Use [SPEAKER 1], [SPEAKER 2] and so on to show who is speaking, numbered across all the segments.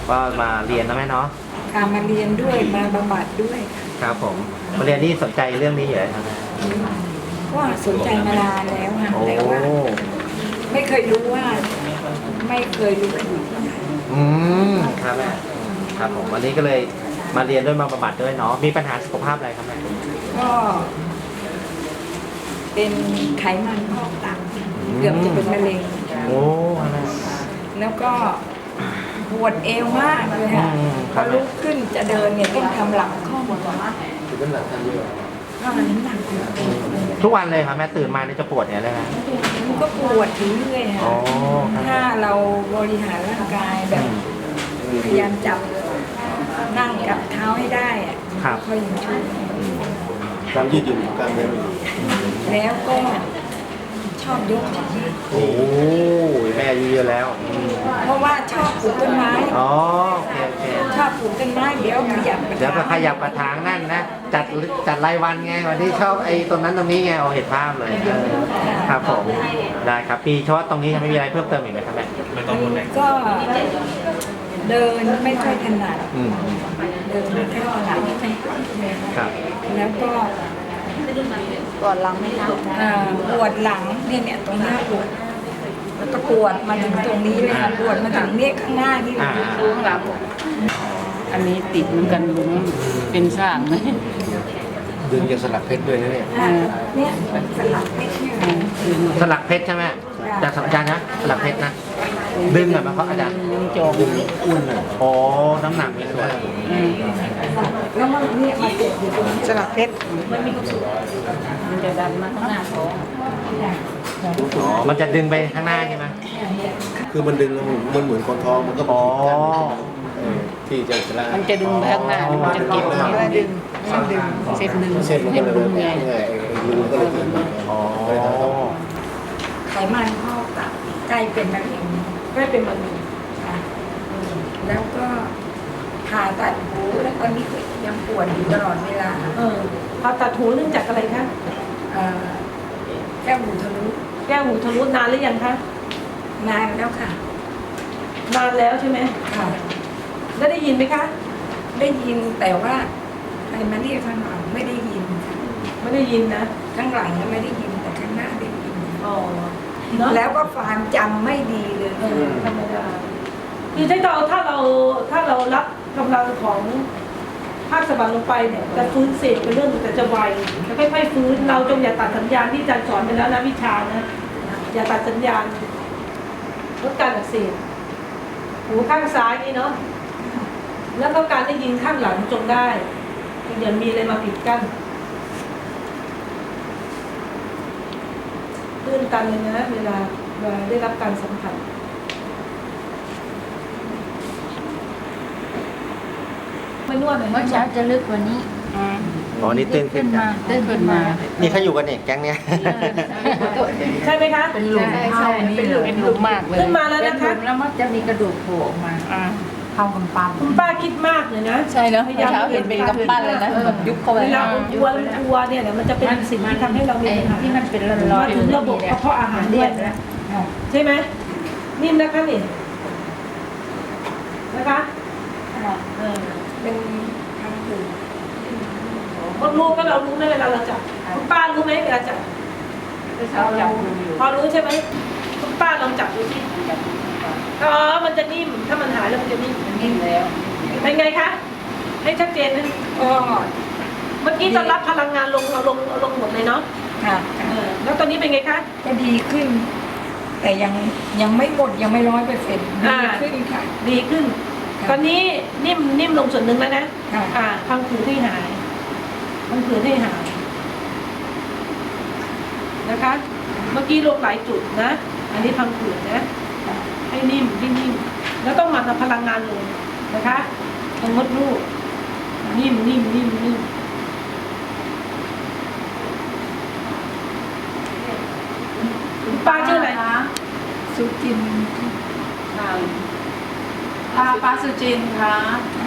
[SPEAKER 1] ก็มาเรียนนะแม่เนาะ
[SPEAKER 2] ค่ะมาเรียนด้วยมาบำบัดด้วย
[SPEAKER 1] ครับผมมาเรียนนี่สนใจเรื่องนี้อยู่แล้วครับ
[SPEAKER 2] ก็สนใจมานานแล้วค่ะ
[SPEAKER 1] โอ้
[SPEAKER 2] แต่ว่าไม่เคยรู้ว่าไม่เคยรู้ว่าอยู่ที่ไหน
[SPEAKER 1] ครับแม่ครับผมวันนี้ก็เลยมาเรียนด้วยมาบำบัดด้วยเนาะมีปัญหาสุขภาพอะไรครับแม่
[SPEAKER 2] ก็เป็นไขมันพอกตับเกือบจะเป็นมะเร็ง
[SPEAKER 1] โอ้
[SPEAKER 2] แล้วก็ปวดเอวมากเลยค่ะพอลุกขึ้นจะเดินเนี่ยต้องทำหลังข้อมือ
[SPEAKER 1] คือเป็นหลังทำเยอะ
[SPEAKER 2] น้ำหนัก
[SPEAKER 1] ทุกวันเลยครับแม่ตื่นมานี่จะปวดเนี่ยเลยนะ
[SPEAKER 2] มันก็ปวดถึงเรื่อยค่ะถ้าเราบริหารร่างกายแบบพยายามจับนั่งกับเท้าให้ได้อะค่อยยังช่วย
[SPEAKER 3] การยืดหยุ่นการเดิน
[SPEAKER 2] แล้วก็ชอบยกของ
[SPEAKER 1] โอ้แม่อายุเยอะแล้ว
[SPEAKER 2] เพราะว่าชอบปลูกต้นไม้
[SPEAKER 1] อ๋อโอเค
[SPEAKER 2] ชอบปลูกต้นไม้เดี๋ยวขยับ
[SPEAKER 1] กระถางนั่นนะจัดรายวันไงวันที่ชอบไอ้ตรงนั้นตรงนี้ไงเห็นภาพเลยครับผมได้ครับพี่เฉพาะตรงนี้ไม่มีอะไรเพิ่มเติมอีกไหมครับแม่ไม่ต้องพูดเลย
[SPEAKER 2] ก็เดินไม่ค่อยถนัดเดินไม่ค่อยถนัด
[SPEAKER 1] ครับ
[SPEAKER 2] แล้วก็ปวดหลังไม่รับปวดหลังเนี่ยตรงหน้าปวดแล้วก็ปวดมาถึงตรงนี้เลยปวดมาถึงเนี่ยข้างหน้าที่ข้างหลัง
[SPEAKER 4] อันนี้ติดเหมือนกันลุงเป็นสร้างไหม
[SPEAKER 3] ดึงจะสลักเพชรด้วยนะเนี่ย
[SPEAKER 2] เนี่ยสลักเพชร
[SPEAKER 1] สลักเพชรใช่ไหมจากสัญญาณนะสลักเพชรนะดึงหน่อยมาเพราะอาจารย์
[SPEAKER 4] จอ
[SPEAKER 1] ดึงอุ่นอ่ะโอ้น้ำหนักไม่สวย
[SPEAKER 2] แล้วมันเนี่ยมาเก็บอยู่ตรงสลักเพชร
[SPEAKER 4] มันจะดันมาข้างหน้าท้อง
[SPEAKER 1] มันจะดึงไปข้างหน้าใช่ไหม
[SPEAKER 3] คือมันดึงแล้วมันเหมือนคนท้องมันก็
[SPEAKER 1] อ๋อ
[SPEAKER 3] ที่จะ
[SPEAKER 4] มันจะดึงไปข้างหน้ามันจะเก็บ
[SPEAKER 2] อะไรดึง
[SPEAKER 4] เส้นดึง
[SPEAKER 3] เส้นมันก็เลย
[SPEAKER 4] ไง
[SPEAKER 3] รูก็เลยดึง
[SPEAKER 1] อ๋อ
[SPEAKER 2] ไขมันพอกตับใกล้เป็นมะเร็งใกล้เป็นมะเร็งค่ะแล้วก็ผ่าตัดหูแล้วตอนนี้ยังปวดอยู่ตลอดเวลา
[SPEAKER 5] ผ่าตัดหูเนื่องจากอะไรคะ
[SPEAKER 2] แก้วหูทะลุ
[SPEAKER 5] นานหรือยังคะ
[SPEAKER 2] นานแล้วค่ะ
[SPEAKER 5] นานแล้วใช่ไหม
[SPEAKER 2] ค่ะ
[SPEAKER 5] แล้วได้ยินไหมคะ
[SPEAKER 2] ได้ยินแต่ว่าใครมาเรียกข้างหลังไม่ได้ยิน
[SPEAKER 5] ไม่ได้ยินนะ
[SPEAKER 2] ข้างหลังไม่ได้ยินแต่ข้างหน้าได้ยิน
[SPEAKER 5] อ๋อ
[SPEAKER 2] แล้วก็ความจำไม่ดีเลย
[SPEAKER 5] ธรรมดาคือถ้าเรารับกำลังของภาคสะบัดลงไปเนี่ยจะฟื้นเสพเป็นเรื่องแต่จะไวจะค่อยๆฟื้นเราจงอย่าตัดสัญญาณที่อาจารย์สอนไปแล้วนะวิชานะอย่าตัดสัญญาณลดการอักเสบหูข้างซ้ายนี่เนาะแล้วก็การได้ยินข้างหลังจงได้อย่ามีอะไรมาปิดกั้นตื้นตันเลยนะเวลาได้รับการสัมผัสไม่นวดเลย
[SPEAKER 4] เมื่อเช้าจะลึกกว่านี้
[SPEAKER 1] อ๋อนี่ตื่นขึ้นมานี่เขาอยู่กันเนี่ยแก๊งเนี้ย
[SPEAKER 5] ใช่ไหมคะ
[SPEAKER 4] เป็นหลุมเป็นหลุมมากเลย
[SPEAKER 5] ขึ้นมาแล้วนะคะ
[SPEAKER 4] แล้วมันจะมีกระดูกโผล่ออกมาเข้ากำปั้น
[SPEAKER 5] คุณป้าคิดมากเลยนะ
[SPEAKER 4] ใช่เนาะเช้าเห็นเป็นกำปั้นเลยนะแบบยุบเข้าไป
[SPEAKER 5] เวลาอ้วนเนี่ยมันจะเป็นสิ่งที่ทำให้เรามีปัญหา
[SPEAKER 4] ที่มันเป็นร้อน
[SPEAKER 5] ๆถึงระบบกระเพาะอาหารด้วยใช่ไหมนิ่มนะคะนี่นะคะ
[SPEAKER 2] เป็นทางถูก
[SPEAKER 5] คนรู้ก็เรารู้ไหมเวลาเราจับคุณป้ารู้ไหมเวลาจับพอรู้ใช่ไหมคุณป้าลองจับดูสิอ๋อมันจะนิ่มถ้ามันหายแล้วมันจะนิ่ม
[SPEAKER 4] แล้ว
[SPEAKER 5] เป็นไงคะให้ชัดเจนนะเมื่อกี้ตอนรับพลังงานลงหมดเลยเนาะ
[SPEAKER 2] ค่ะ
[SPEAKER 5] แล้วตอนนี้เป็นไงคะ
[SPEAKER 2] ก็ดีขึ้นแต่ยังไม่หมดยังไม่100%ดีขึ้นค่ะ
[SPEAKER 5] ดีขึ้นตอนนี้นิ่มลงส่วนหนึ่งแล้วนะพังผืดให้หายนะคะเมื่อกี้ลงหลายจุดนะอันนี้พังผืดนะให้นิ่มแล้วต้องมันพลังงานลงนะคะตรงมดลูกนิ่มป้าชื่ออะไรคะ
[SPEAKER 2] สุจิน
[SPEAKER 4] ป้าสุจินค่ะ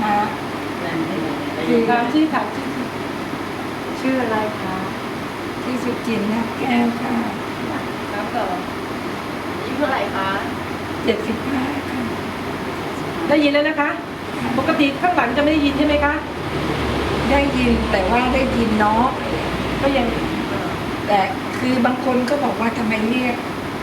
[SPEAKER 2] ชื่ออะไรคะที่สุจินนะแก้วค่ะ
[SPEAKER 4] แล้วก็อายุเท่าไหร่คะ
[SPEAKER 2] 75ค่ะ
[SPEAKER 5] ได้ยินแล้วนะคะปกติข้างหลังจะไม่ได้ยินใช่ไหมคะ
[SPEAKER 2] ได้ยินแต่ว่าได้ยินเนาะ
[SPEAKER 5] ก็ยัง
[SPEAKER 2] แต่คือบางคนก็บอกว่าทำไมเรียก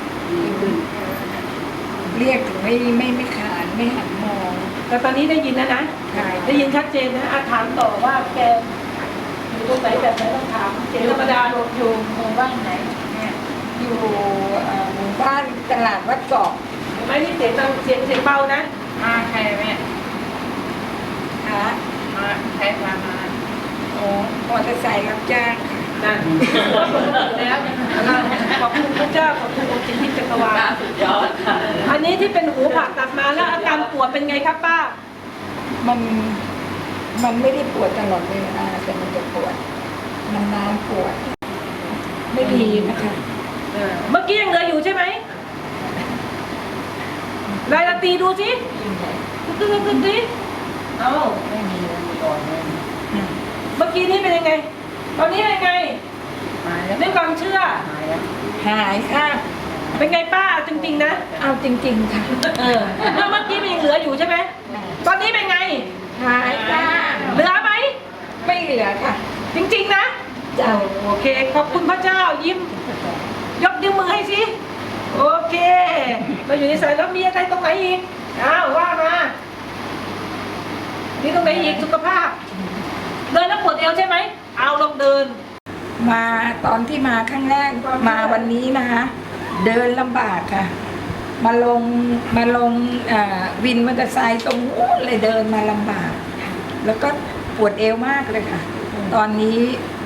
[SPEAKER 2] ถึงไม่ขานไม่หันมอง
[SPEAKER 5] แต่ตอนนี้ได้ยินนะ
[SPEAKER 2] ใช่
[SPEAKER 5] ได้ยินชัดเจนนะถามต่อว่าแกอยู่ตรงไหนแบบไหนต้องถามเสียงธรรมดาอยู่หมู่บ้านไหนเนี่ย
[SPEAKER 2] อยู่หมู่บ้านตลาดวัดเกาะ
[SPEAKER 5] เห็นไหมนี่เสียงดังเสียงเบานะ
[SPEAKER 4] มาใครแม่
[SPEAKER 2] ค่ะ
[SPEAKER 4] มาใครพามา
[SPEAKER 2] โอ้มอเตอร์ไซค์รับจ้างค่ะ
[SPEAKER 5] นั่นแล้วขอบคุณพระเจ้าขอบคุณองค์จิตที่จักรวาล
[SPEAKER 4] สุดยอดค่ะ
[SPEAKER 5] อันนี้ที่เป็นหูผ่าตัดมาแล้วอาการปวดเป็นไงครับป้า
[SPEAKER 2] มันไม่ได้ปวดตลอดเวลาแต่มันจะปวดมันนานปวด ไม่ดีนะคะ
[SPEAKER 5] เมื่อกี้ยังเหลืออยู่ใช่ไหมรายละตีดูสิตึ๊ดสิเอ้า
[SPEAKER 4] ไม่มีก่อนเลย
[SPEAKER 5] เมื่อกี้นี้เป็นยังไง ตอนนี้เป็นยังไง
[SPEAKER 4] หายแล้ว
[SPEAKER 5] ด้วยความเชื่อ
[SPEAKER 4] หายแล้ว
[SPEAKER 2] หายค่ะ
[SPEAKER 5] เป็นไงป้าจริงๆนะ
[SPEAKER 2] เอาจริง ๆ ค่ะ
[SPEAKER 5] แล้วเมื่อกี้มันยังเหลืออยู่ใช่ไหมตอนนี้เป็นไง
[SPEAKER 2] หายค่ะ
[SPEAKER 5] เหลือไหม
[SPEAKER 2] ไม่เหลือค่ะ
[SPEAKER 5] จริงๆนะ
[SPEAKER 2] เจ้า
[SPEAKER 5] โอเค ขอบคุณพระเจ้ายิ้ม ยกนิ้วมือให้สิโอเคเราอยู่ในสายแล้วมีอะไรตรงไหนอีกอ้าวว่ามานี่ตรงไหนอีกสุขภาพ เดินแล้วปวดเอวใช่ไหมเอาลองเดิน
[SPEAKER 2] มาตอนที่มาครั้งแรกมาวันนี้นะคะเดินลำบากค่ะ มาลงวินมอเตอร์ไซค์ตรงนู้นเลยเดินมาลำบาก แล้วก็ปวดเอวมากเลยค่ะ ตอนนี้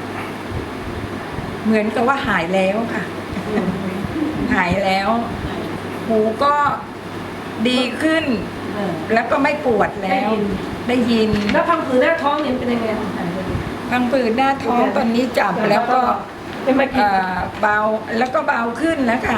[SPEAKER 2] เหมือนกับว่าหายแล้วค่ะ หายแล้ว หูก็ดีขึ้น แล้วก็ไม่ปวดแล้ว ได้ยิน
[SPEAKER 5] แล้วพังผืดหน้าท้องเนี่ยเป็นยังไง
[SPEAKER 2] พังผืดหน้าท้องตอนนี้จับแล้วก็
[SPEAKER 5] เป็นมากี่
[SPEAKER 2] เบาแล้วก็เบาขึ้นแล้วค่ะ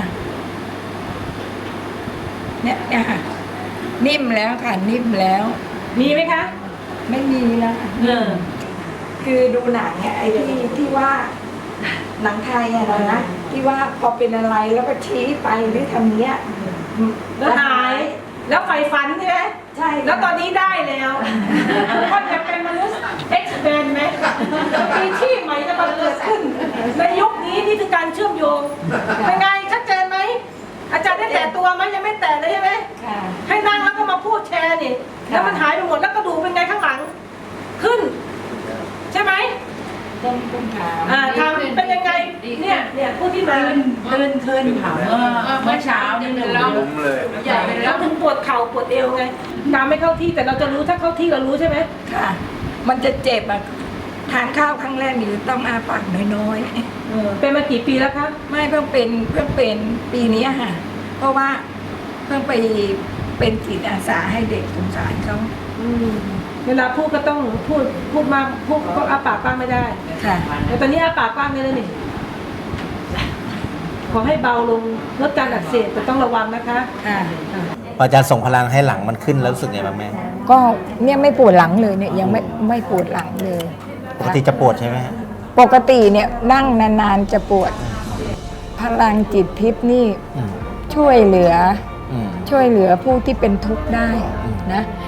[SPEAKER 2] เนี่ยค่ะ นิ่มแล้วค่ะ นิ่มแล้ว
[SPEAKER 5] มีไหมคะ
[SPEAKER 2] ไม่มีแล้วค่ะ คือดูหนังเนี่ยไอ้ที่ว่าหนังไทยอะนะที่ว่าพอเป็นอะไรแล้วก็ชี้ไปหรือทำเนี้ย
[SPEAKER 5] แล้วหาย แล้วไฟฟันใช่ไหม
[SPEAKER 2] ใช่
[SPEAKER 5] แล้วตอนนี้ได้แล้วก็จะเป็นมนุษย์ X-Men ไหมมีที่ใหม่จะมาเกิดขึ้น ในยุคนี้นี่คือการเชื่อมโยง เป็นไงชัดเจนไหม อาจารย์ได้แตะตัวไหมยังไม่แตะเลยใช่ไหม
[SPEAKER 2] ค่ะ
[SPEAKER 5] ให้นั่งแล้วก็มาพูดแชร์นี่ แล้วมันหายไปหมดแล้วกระดูกเป็นไงข้างหลัง ขึ้น ใช่ไหม
[SPEAKER 2] ต้องถาม
[SPEAKER 5] ทำเป็นยังไง เนี่ยผู้ที่มา
[SPEAKER 4] เดินขึ้นถามเมื่อเช้านี่เป็นล้ม
[SPEAKER 3] ล้มเลย
[SPEAKER 4] ใหญ่ไปแล้
[SPEAKER 5] แล้ว วถึงปวดเข่าปวดเอวไงตามไม่เข้าที่แต่เราจะรู้ถ้าเข้าที่เรารู้ใช่ไหม
[SPEAKER 2] ค่ะ มันจะเจ็บอะทานข้าวครั้งแรกนี่ต้องอาปากน้อย
[SPEAKER 5] เป็นมากี่ปีแล้วคะ
[SPEAKER 2] ๆไม่เพิ่งเป็นปีนี้ค่ะ เพราะว่าเพิ่งไปเป็นจิตอาสาให้เด็กสงสารเขา
[SPEAKER 5] เวลาพูดก็ต้องพูดมาพูดก็อาปากกว้างไม่ได้
[SPEAKER 2] ค่ะ
[SPEAKER 5] แต่ตอนนี้อาปากกว้างได้แล้วนี่ขอให้เบาลงลดการอักเสบแต่ต้องระวังนะคะ
[SPEAKER 2] ค่ะ
[SPEAKER 1] พออาจารย์ส่งพลังให้หลังมันขึ้นแล้วรู้สึกไงบ้างแม่
[SPEAKER 2] ก็เนี่ยไม่ปวดหลังเลยเนี่ยยังไม่ปวดหลังเลย
[SPEAKER 1] ปกติจะปวดใช่ไหมฮะ
[SPEAKER 2] ปกติเนี่ยนั่งนานๆจะปวด พลังจิตทิพย์นี่
[SPEAKER 1] อืม
[SPEAKER 2] ช่วยเหลือ
[SPEAKER 1] อืม
[SPEAKER 2] ผู้ที่เป็นทุกข์ได้นะ